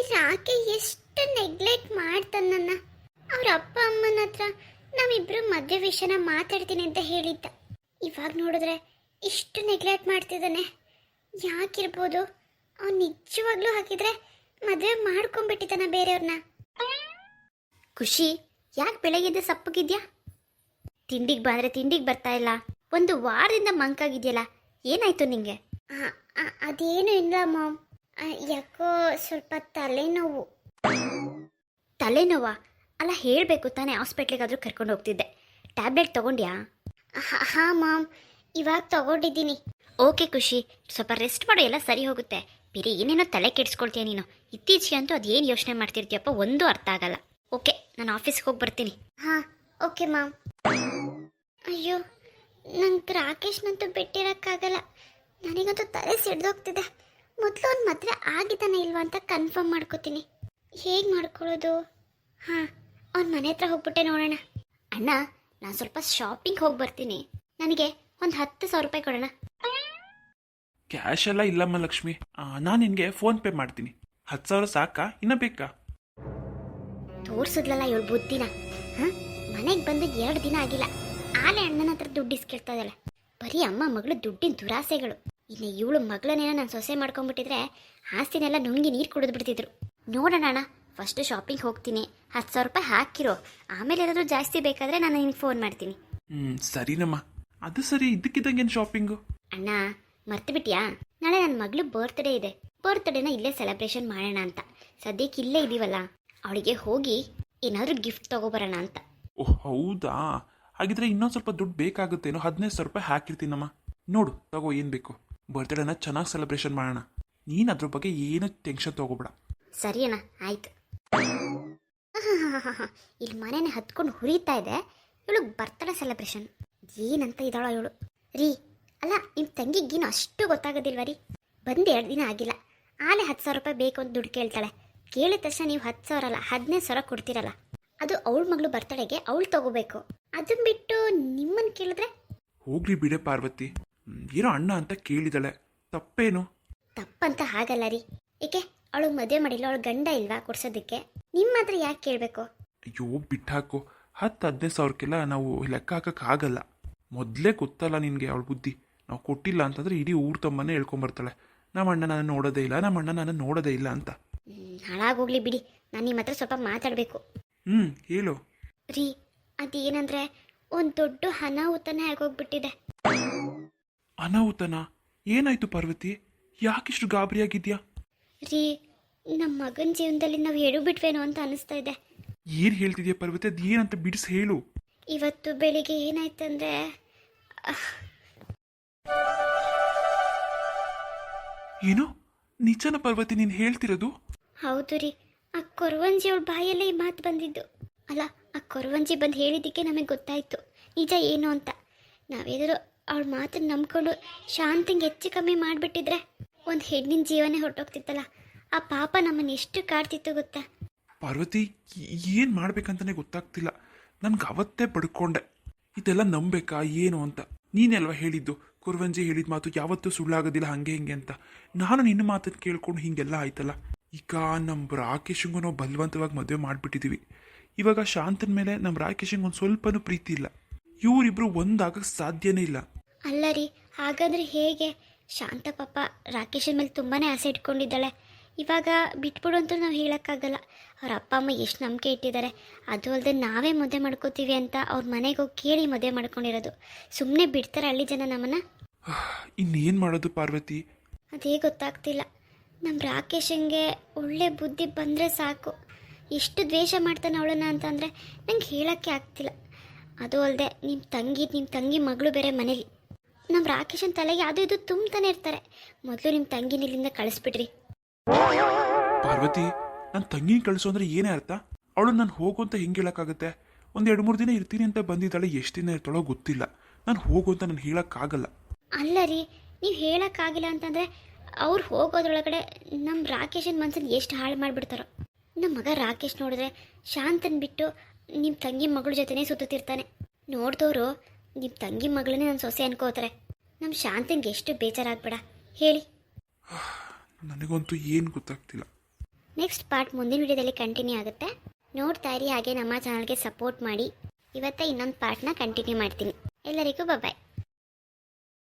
ರಾಕೆ ಎಷ್ಟು ನೆಗ್ಲೆಕ್ಟ್ ಮಾಡ್ತಾನ ನನ್ನ. ಅವ್ರ ಅಪ್ಪ ಅಮ್ಮನ ಹತ್ರ ನಾವಿಬ್ರು ಮದುವೆ ವಿಷಯನ ಮಾತಾಡ್ತೀನಿ ಅಂತ ಹೇಳಿದ್ದ. ಇವಾಗ ನೋಡಿದ್ರೆ ಇಷ್ಟು ನೆಗ್ಲೆಕ್ಟ್ ಮಾಡ್ತಿದ್ದಾನೆ. ಯಾಕಿರ್ಬೋದು? ಅವ್ನು ನಿಜವಾಗ್ಲೂ ಹಾಕಿದ್ರೆ ಮದುವೆ ಮಾಡ್ಕೊಂಡ್ಬಿಟ್ಟಿದ್ದಾನ ಬೇರೆಯವ್ರನ್ನ. ಖುಷಿ, ಯಾಕೆ ಬೆಳಗ್ಗೆ ಸಪ್ಪಗಿದ್ಯಾ? ತಿಂಡಿಗೆ ಬಂದರೆ ತಿಂಡಿಗೆ ಬರ್ತಾ ಇಲ್ಲ. ಒಂದು ವಾರದಿಂದ ಮಂಕಾಗಿದೆಯಲ್ಲ, ಏನಾಯ್ತು ನಿಂಗೆ? ಅದೇನು ಇಲ್ಲ ಮಾಮ್, ಯಾಕೋ ಸ್ವಲ್ಪ ತಲೆನೋವು. ತಲೆನೋವಾ? ಅಲ್ಲ, ಹೇಳಬೇಕು ತಾನೇ, ಹಾಸ್ಪಿಟ್ಲಿಗಾದರೂ ಕರ್ಕೊಂಡು ಹೋಗ್ತಿದ್ದೆ. ಟ್ಯಾಬ್ಲೆಟ್ ತೊಗೊಂಡ್ಯಾ? ಹಾಂ ಮಾಮ್, ಇವಾಗ ತೊಗೊಂಡಿದ್ದೀನಿ. ಓಕೆ ಖುಷಿ, ಸ್ವಲ್ಪ ರೆಸ್ಟ್ ಮಾಡು, ಎಲ್ಲ ಸರಿ ಹೋಗುತ್ತೆ. ಬೇರೆ ಏನೇನೋ ತಲೆ ಕೆಡಿಸ್ಕೊಳ್ತೀಯ ನೀನು. ಇತ್ತೀಚೆಗೆ ಅಂತೂ ಅದೇನು ಯೋಚನೆ ಮಾಡ್ತಿರ್ತೀಯಪ್ಪ, ಒಂದೂ ಅರ್ಥ ಆಗಲ್ಲ. ಓಕೆ, ನಾನು ಆಫೀಸ್ಗೆ ಹೋಗಿ ಬರ್ತೀನಿ. ಹಾಂ ಓಕೆ ಮಾಮ್. ಅಯ್ಯೋ, ನಂಗೆ ರಾಕೇಶ್ನಂತೂ ಬಿಟ್ಟಿರೋಕ್ಕಾಗಲ್ಲ. ನನಗಂತೂ ತಲೆ ಸಿಡ್ದೋಗ್ತಿದೆ. ಮೊದಲು ಅವ್ನು ಮದುವೆ ಆಗಿದ್ದಾನೆ ಇಲ್ವಾ ಅಂತ ಕನ್ಫರ್ಮ್ ಮಾಡ್ಕೋತೀನಿ. ಹೇಗೆ ಮಾಡ್ಕೊಳ್ಳೋದು? ಹಾಂ, ಅವ್ನ ಮನೆ ಹತ್ರ ಹೋಗ್ಬಿಟ್ಟೆ ನೋಡೋಣ. ಅಣ್ಣ, ನಾನು ಸ್ವಲ್ಪ ಶಾಪಿಂಗ್ ಹೋಗಿ ಬರ್ತೀನಿ. ನನಗೆ ಒಂದು 10,000 ರೂಪಾಯಿ ಕೊಡೋಣ. ಕ್ಯಾಶ್ ಎಲ್ಲ ಇಲ್ಲಮ್ಮ ಲಕ್ಷ್ಮಿ, ನಾನು ನಿನಗೆ ಫೋನ್ ಪೇ ಮಾಡ್ತೀನಿ. 10,000 ಸಾಕಾ, ಇನ್ನ ಬೇಕಾ? ತೋರ್ಸಿದ್ಲಲ್ಲ ಇವಳು ಬುದ್ಧಿನ. ಹಾಂ, ಮನೆಗೆ ಬಂದು 2 ದಿನ ಆಗಿಲ್ಲ, ಆಲೆ ಅಣ್ಣನ ಹತ್ರ ದುಡ್ಡು ಇಸ್ಕಿರ್ತಾದಲ್ಲ. ಬರೀ ಅಮ್ಮ ಮಗಳು ದುಡ್ಡಿನ ದುರಾಸೆಗಳು. ಇನ್ನು ಇವಳು ಮಗಳನ್ನೇನೋ ನಾನು ಸೊಸೆ ಮಾಡ್ಕೊಂಡ್ಬಿಟ್ಟಿದ್ರೆ ಆಸ್ತಿನೆಲ್ಲ ನುಂಗಿ ನೀರು ಕುಡಿದು ಬಿಡ್ತಿದ್ರು. ನೋಡೋಣ ಅಣ್ಣ, ಫಸ್ಟ್ ಶಾಪಿಂಗ್ ಹೋಗ್ತೀನಿ. 10,000 ರೂಪಾಯಿ ಹಾಕಿರೋ, ಆಮೇಲೆ ಏನಾದರೂ ಜಾಸ್ತಿ ಬೇಕಾದರೆ ನಾನು ನಿನಗೆ ಫೋನ್ ಮಾಡ್ತೀನಿ. ಸರಿನಮ್ಮ. ಅದು ಸರಿ, ಇದ್ದಕ್ಕಿದ್ದಂಗೇನು ಶಾಪಿಂಗು? ಅಣ್ಣ, ಮರ್ತು ಬಿಟ್ಟಿಯಾ? ನಾಳೆ ನನ್ನ ಮಗಳು ಬರ್ತ್ಡೇ ಇದೆ. ಬರ್ತ್ಡೇನ ಇಲ್ಲೇ ಸೆಲೆಬ್ರೇಷನ್ ಮಾಡೋಣ ಅಂತ. ಸದ್ಯಕ್ಕೆ ಇಲ್ಲೇ ಇದೀವಲ್ಲ, ಅವಳಿಗೆ ಹೋಗಿ ಏನಾದರೂ ಗಿಫ್ಟ್ ತಗೋಬರೋಣ ಅಂತ. ಓಹ್ ಹೌದಾ? ಹಾಗಿದ್ರೆ ಇನ್ನೊಂದು ಸ್ವಲ್ಪ ದುಡ್ಡು ಬೇಕಾಗುತ್ತೇನೋ. 15,000 ರೂಪಾಯಿ ಹಾಕಿರ್ತೀನಮ್ಮ. ನೋಡು, ತಗೋ, ಏನು ಬೇಕು. ಬರ್ತ್ಡೇನ ಚೆನ್ನಾಗಿ ಸೆಲೆಬ್ರೇಷನ್ ಮಾಡೋಣ. ನೀನು ಅದ್ರ ಬಗ್ಗೆ ಏನು ಟೆನ್ಷನ್ ತಗೋಬೇಡ. ಸರಿ ಅಣ್ಣ, ಆಯ್ತು. ಇಲ್ಲಿ ಮನೇನೆ ಹತ್ಕೊಂಡು ಹುರಿತಾ ಇದೆ. ಇವಳು ಬರ್ತ್ಡೇ ಸೆಲೆಬ್ರೇಷನ್ ಏನಂತ ಇದ್ದಾಳೋ ಇವಳು. ರೀ, ಅಲ್ಲ, ನಿಮ್ಮ ತಂಗಿಗೇನು ಅಷ್ಟು ಗೊತ್ತಾಗೋದಿಲ್ವ ರೀ? ಬಂದು 2 ದಿನ ಆಗಿಲ್ಲ, ಆಲೆ 10,000 ರೂಪಾಯಿ ಬೇಕು ಅಂತ ದುಡ್ಡು ಕೇಳ್ತಾಳೆ. ಕೇಳಿದ ತಕ್ಷಣ ನೀವು 10,000 ಅಲ್ಲ 15,000 ಕೊಡ್ತೀರಲ್ಲ. ಅದು ಅವಳ ಮಗಳು ಬರ್ತಡೆಗೆ ಅವಳು ತಗೋಬೇಕು. ಅದನ್ನ ಬಿಟ್ಟು ನಿಮ್ಮನ್ನು ಕೇಳಿದ್ರೆ? ಹೋಗ್ಲಿ ಬಿಡೆ ಪಾರ್ವತಿ, ಏನೋ ಅಣ್ಣ ಅಂತ ಕೇಳಿದಾಳೆ, ತಪ್ಪೇನು? ತಪ್ಪಂತ ಹಾಗಲ್ಲ ರೀ. ಏಕೆ ಅವಳು ಮದುವೆ ಮಾಡಿಲ್ಲ, ಅವಳು ಗಂಡ ಇಲ್ವಾ ಕೊಡ್ಸೋದಕ್ಕೆ? ನಿಮ್ಮ ಹತ್ರ ಯಾಕೆ ಕೇಳಬೇಕು? ಅಯ್ಯೋ ಬಿಟ್ಟಾಕು. 10,000-15,000ಕ್ಕೆಲ್ಲ ನಾವು ಲೆಕ್ಕ ಹಾಕಕ್ಕಾಗಲ್ಲ. ಮೊದಲೇ ಗೊತ್ತಲ್ಲ ನಿನಗೆ ಅವಳ ಬುದ್ಧಿ. ನಾವು ಕೊಟ್ಟಿಲ್ಲ ಅಂತಂದರೆ ಇಡೀ ಊರು ತಮ್ಮನ್ನೇ ಹೇಳ್ಕೊಂಬರ್ತಾಳೆ, ನಮ್ಮ ಅಣ್ಣ ನಾನು ನೋಡೋದೇ ಇಲ್ಲ, ನಮ್ಮ ಅಣ್ಣ ನಾನು ನೋಡೋದೇ ಇಲ್ಲ ಅಂತ. ಹಾಳಾಗೋಗ್ಲಿ ಬಿಡಿ, ನಾನು ನಿಮ್ಮ ಹತ್ರ ಸ್ವಲ್ಪ ಮಾತಾಡಬೇಕು. ಹೇಳು. ರೀ, ಅದೇನಂದ್ರೆ ಒಂದು ದೊಡ್ಡ ಅನಾಹುತನೇ ಆಗೋಗ್ಬಿಟ್ಟಿದೆ. ಅನಾಹುತನ? ಏನಾಯ್ತು ಪಾರ್ವತಿ? ಯಾಕಿಷ್ಟು ಗಾಬರಿಯಾಗಿದ್ಯಾ? ರೀ, ನಮ್ಮ ಮಗನ ಜೀವನದಲ್ಲಿ ನಾವು ಎಡು ಬಿಟ್ವೇನೋ ಅಂತ ಅನಿಸ್ತಾ ಇದೆ. ಏನು ಹೇಳ್ತಿದ್ಯಾ ಪಾರ್ವತಿ? ಅದು ಏನಂತ ಬಿಡಿಸಿ ಹೇಳು. ಇವತ್ತು ಬೆಳಿಗ್ಗೆ ಏನಾಯ್ತಂದ್ರೆ, ಏನು? ನಿಜನ ಪಾರ್ವತಿ ನೀನು ಹೇಳ್ತಿರೋದು? ಹೌದು ರೀ, ಆ ಕೊರವಂಜಿ ಅವಳ ಬಾಯಲ್ಲೇ ಈ ಮಾತು ಬಂದಿದ್ದು. ಅಲ್ಲ, ಆ ಕೊರವಂಜಿ ಬಂದು ಹೇಳಿದ್ದಕ್ಕೆ ನಮಗೆ ಗೊತ್ತಾಯಿತು ನಿಜ ಏನು ಅಂತ. ನಾವೇನಾದರೂ ಅವಳ ಮಾತನ್ನು ನಂಬ್ಕೊಂಡು ಶಾಂತಿಗೆ ಹೆಚ್ಚು ಕಮ್ಮಿ ಮಾಡಿಬಿಟ್ಟಿದ್ರೆ ಒಂದು ಹೆಣ್ಣಿನ ಜೀವನೇ ಹೊರಟೋಗ್ತಿತ್ತಲ್ಲ. ಆ ಪಾಪ ನಮ್ಮನ್ನು ಎಷ್ಟು ಕಾಡ್ತಿತ್ತು ಗೊತ್ತಾ? ಪಾರ್ವತಿ, ಏನು ಮಾಡ್ಬೇಕಂತಲೇ ಗೊತ್ತಾಗ್ತಿಲ್ಲ. ನನ್ಗೆ ಅವತ್ತೇ ಪಡ್ಕೊಂಡೆ ಇದೆಲ್ಲ ನಂಬೇಕಾ ಏನು ಅಂತ. ನೀನೆಲ್ವಾ ಹೇಳಿದ್ದು, ಕುರುವಂಜಿ ಹೇಳಿದ ಮಾತು ಯಾವತ್ತೂ ಸುಳ್ಳಾಗೋದಿಲ್ಲ ಹಂಗೆ ಹಿಂಗೆ ಅಂತ. ನಾನು ನಿನ್ನ ಮಾತನ್ನು ಕೇಳ್ಕೊಂಡು ಹೀಗೆಲ್ಲ ಆಯ್ತಲ್ಲ. ಈಗ ನಮ್ಮ ರಾಕೇಶಂಗೂ ನಾವು ಬಲವಂತವಾಗಿ ಮದುವೆ ಮಾಡಿಬಿಟ್ಟಿದ್ದೀವಿ. ಇವಾಗ ಶಾಂತನ ಮೇಲೆ ನಮ್ಮ ರಾಕೇಶಂಗೆ ಒಂದು ಸ್ವಲ್ಪನೂ ಪ್ರೀತಿ ಇಲ್ಲ. ಇವರಿಬ್ರು ಒಂದಾಗಕ್ಕೆ ಸಾಧ್ಯನೇ ಇಲ್ಲ. ಅಲ್ಲ ರೀ, ಹಾಗಾದರೆ ಹೇಗೆ? ಶಾಂತ ಪಾಪ ರಾಕೇಶನ ಮೇಲೆ ತುಂಬಾ ಆಸೆ ಇಟ್ಕೊಂಡಿದ್ದಾಳೆ. ಇವಾಗ ಬಿಟ್ಬಿಡು ಅಂತ ನಾವು ಹೇಳೋಕ್ಕಾಗಲ್ಲ. ಅವ್ರ ಅಪ್ಪ ಅಮ್ಮ ಎಷ್ಟು ನಂಬಿಕೆ ಇಟ್ಟಿದ್ದಾರೆ. ಅದು ಅಲ್ಲದೆ ನಾವೇ ಮದುವೆ ಮಾಡ್ಕೋತೀವಿ ಅಂತ ಅವ್ರ ಮನೆಗೆ ಹೋಗಿ ಕೇಳಿ ಮದುವೆ ಮಾಡ್ಕೊಂಡಿರೋದು. ಸುಮ್ಮನೆ ಬಿಡ್ತಾರೆ ಹಳ್ಳಿ ಜನ ನಮ್ಮನ್ನು? ಇನ್ನೇನು ಮಾಡೋದು ಪಾರ್ವತಿ? ಅದೇ ಗೊತ್ತಾಗ್ತಿಲ್ಲ. ನಮ್ಮ ರಾಕೇಶಂಗೆ ಒಳ್ಳೆ ಬುದ್ಧಿ ಬಂದರೆ ಸಾಕು. ಎಷ್ಟು ದ್ವೇಷ ಮಾಡ್ತಾನೆ ಅವಳನ್ನ ಅಂತಂದರೆ ನಂಗೆ ಹೇಳೋಕ್ಕೆ ಆಗ್ತಿಲ್ಲ. ಅದು ಅಲ್ಲದೆ ನಿಮ್ಮ ತಂಗಿ ಮಗಳು ಬೇರೆ ಮನೇಲಿ. ನಮ್ಮ ರಾಕೇಶನ್ ತಲೆಗೆ ಅದು ಇದು ತುಂಬ್ತಾನೆ ಇರ್ತಾರೆ. ಮೊದಲು ನಿಮ್ಮ ತಂಗಿನ ಇಲ್ಲಿಂದ ಕಳಿಸ್ಬಿಡ್ರಿ. ಪಾರ್ವತಿ, ನನ್ನ ತಂಗಿನ ಕಳಿಸೋ ಅಂದ್ರೆ ಏನೇ ಅರ್ಥ? ಅವಳು ನಾನು ಹೋಗು ಅಂತ ಹೆಂಗೆ ಹೇಳೋಕ್ಕಾಗುತ್ತೆ? ಒಂದು 2-3 ದಿನ ಇರ್ತೀನಿ ಅಂತ ಬಂದಿದ್ದಾಳೆ, ಎಷ್ಟು ದಿನ ಇರ್ತಾಳೋ ಗೊತ್ತಿಲ್ಲ. ನಾನು ಹೋಗು ಅಂತ ನಾನು ಹೇಳೋಕ್ಕಾಗಲ್ಲ. ಅಲ್ಲ ರೀ, ನೀವು ಹೇಳೋಕ್ಕಾಗಿಲ್ಲ ಅಂತಂದರೆ ಅವ್ರು ಹೋಗೋದ್ರೊಳಗಡೆ ನಮ್ಮ ರಾಕೇಶನ್ ಮನ್ಸನ್ನು ಎಷ್ಟು ಹಾಳು ಮಾಡಿಬಿಡ್ತಾರೋ. ನಮ್ಮ ಮಗ ರಾಕೇಶ್ ನೋಡಿದ್ರೆ ಶಾಂತನ್ ಬಿಟ್ಟು ನಿಮ್ಮ ತಂಗಿ ಮಗಳ ಜೊತೆನೇ ಸುತ್ತಿರ್ತಾನೆ. ನೋಡಿದವರು ನಿಮ್ಮ ತಂಗಿ ಮಗಳನ್ನೇ ನನ್ನ ಸೊಸೆ ಅನ್ಕೋತಾರೆ. ನಮ್ಮ ಶಾಂತನ್ಗೆ ಎಷ್ಟು ಬೇಜಾರಾಗ್ಬೇಡ ಹೇಳಿ. ನನಗಂತೂ ಏನು ಗೊತ್ತಾಗ್ತಿಲ್ಲ. ನೆಕ್ಸ್ಟ್ ಪಾರ್ಟ್ ಮುಂದಿನ ವಿಡಿಯೋದಲ್ಲಿ ಕಂಟಿನ್ಯೂ ಆಗುತ್ತೆ. ನೋಡ್ತಾ ಇರಿ, ಹಾಗೆ ನಮ್ಮ ಚಾನಲ್ಗೆ ಸಪೋರ್ಟ್ ಮಾಡಿ. ಇವತ್ತೇ ಇನ್ನೊಂದು ಪಾರ್ಟ್ನ ಕಂಟಿನ್ಯೂ ಮಾಡ್ತೀನಿ. ಎಲ್ಲರಿಗೂ ಬಾಯ್.